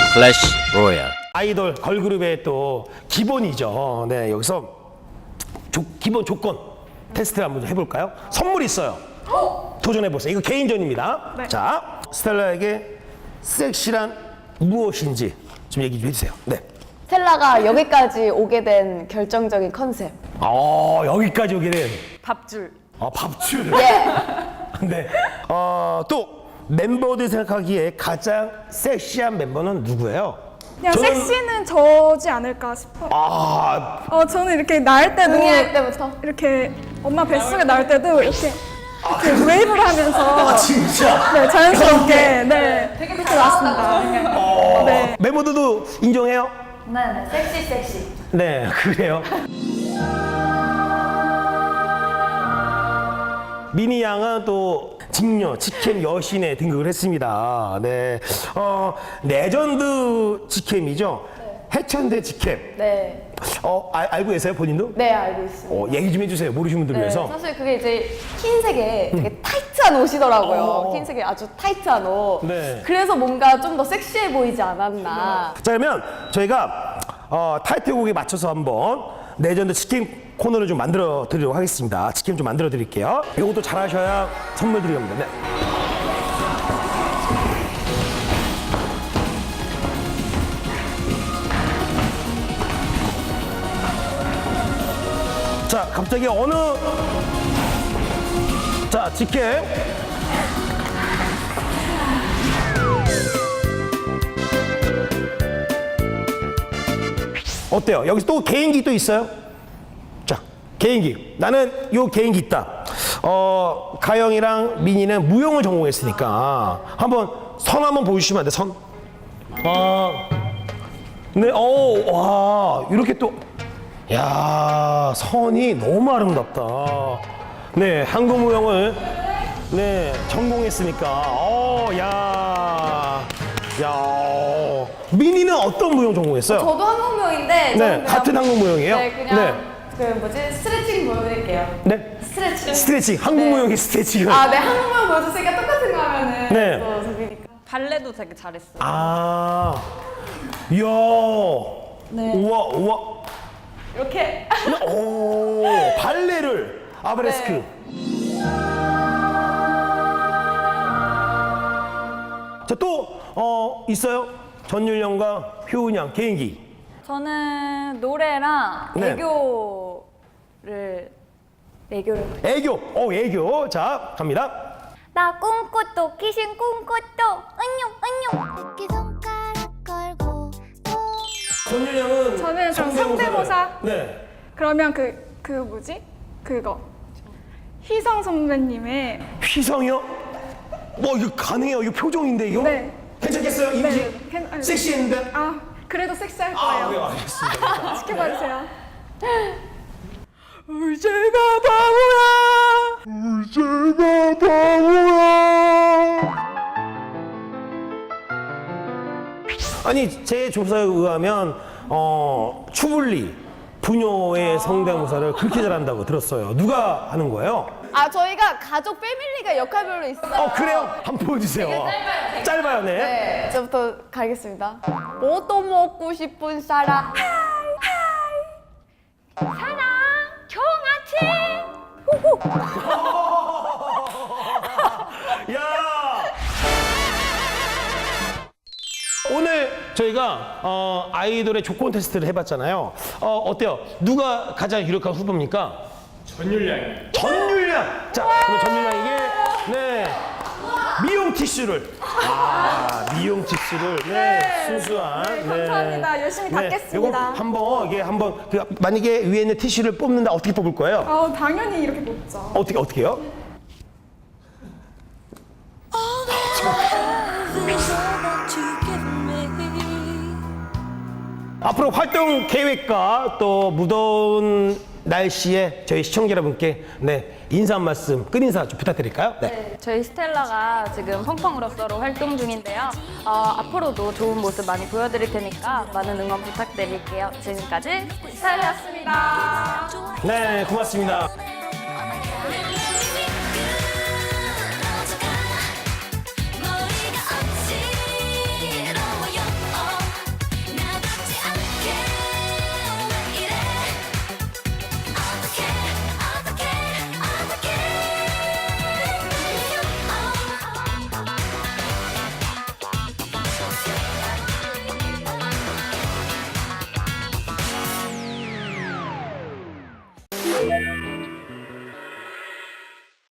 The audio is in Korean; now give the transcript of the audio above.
클래시 로얄. 아이돌 걸그룹의 또 기본이죠. 네, 여기서 기본 조건 테스트를 한번 해볼까요? 선물 있어요. 도전해보세요. 이거 개인전입니다. 네. 자, 스텔라에게 섹시란 무엇인지 좀 얘기 좀 해주세요. 네. 스텔라가 여기까지 오게 된 결정적인 컨셉. 여기까지 오게 된 밥줄. 밥줄. 예. 네. 또 멤버들이 생각하기에 가장 섹시한 멤버는 누구예요? 그냥 저는- 섹시는 저지 않을까 싶어. 저는 이렇게 낳을 때도 응애할 때부터. 이렇게 엄마 뱃속에 낳을 때도 이렇게 웨이브를 하면서 진짜. 네, 자연스럽게 네, 그렇게 나왔습니다. 네. 멤버들도 인정해요? 네, 섹시. 네, 그래요. 미니 양은 또 직녀, 직캠 여신에 등극을 했습니다. 네, 레전드 직캠이죠. 해천대 직캠. 네. 알고 계세요, 본인도? 네, 알고 있습니다. 얘기 좀 해주세요, 모르시는 분들 네, 위해서. 사실 그게 이제 흰색에 되게 타이트한 옷이더라고요. 흰색에 아주 타이트한 옷. 네. 그래서 뭔가 좀 더 섹시해 보이지 않았나. 자, 그러면 저희가 타이틀곡에 맞춰서 한번 레전드 치킨 코너를 좀 만들어 드리도록 하겠습니다. 치킨 좀 만들어 드릴게요. 이것도 잘하셔야 선물 드리겠습니다. 네. 자, 갑자기 자, 치킨. 어때요? 여기서 또 개인기 또 있어요? 자, 개인기. 나는 요 개인기 있다. 가영이랑 민이는 무용을 전공했으니까 한번 선 한번 보여주시면 안 돼? 선. 네, 와, 이렇게 또, 야, 선이 너무 아름답다. 네, 한국 무용을 네 전공했으니까, 민이는 어떤 무용 전공했어요? 저도 한국무용인데 네, 저는 그냥- 같은 한국 무용이에요? 네, 그냥 그 뭐지 스트레칭 보여드릴게요. 네. 스트레칭. 스트레칭, 한국 네. 무용이 스트레칭을. 네, 한국무용 보여줬으니까 똑같은 거 하면은 네. 또 재미니까. 발레도 되게 잘했어요. 이야. 네. 우와. 이렇게. 오, 발레를, 아브레스크. 네. 자, 또, 있어요? 전율령과 효은 양 개인기. 저는 노래랑 네. 애교를 애교. 애교. 자, 갑니다. 나 꿈꽃도 귀신 꿈꽃도 은용 새끼 손가락 걸고 전율령은 저는 좀 성대모사. 네. 그러면 그 뭐지? 그거 희성 선배님의 휘성이요? 이거 가능해요? 이거 표정인데, 이거? 네. 괜찮겠어요? 이미지? 아니, 섹시했는데? 그래도 섹시할 네, 거예요. 알겠습니다. 지켜봐 주세요. 울제가 바보야. 아니, 제 조사에 의하면 추블리 부녀의 성대모사를 그렇게 잘한다고 들었어요. 누가 하는 거예요? 저희가 가족 패밀리가 역할별로 있어요. 그래요? 한번 보여주세요. 짧아요, 네. 네, 저부터 가겠습니다. 뭐 또 먹고 싶은 사람? 사랑 종아치 야! 오늘 저희가 아이돌의 조건 테스트를 해봤잖아요. 어때요? 누가 가장 유력한 후보입니까? 전율량. 자, 그럼 전율량에게 미용 티슈를. 미용 티슈를 순수한. 네, 감사합니다. 열심히 닦겠습니다. 요거 한번 만약에 위에 있는 티슈를 뽑는다 어떻게 뽑을 거예요? 당연히 이렇게 뽑죠. 어떻게요? 앞으로 활동 계획과 또 무더운 날씨에 저희 시청자 여러분께 인사 한 말씀, 끝인사 좀 부탁드릴까요? 네. 저희 스텔라가 지금 펑펑으로서로 활동 중인데요. 앞으로도 좋은 모습 많이 보여드릴 테니까 많은 응원 부탁드릴게요. 지금까지 스텔라였습니다. 네, 고맙습니다. 머리가 어지러워요. 고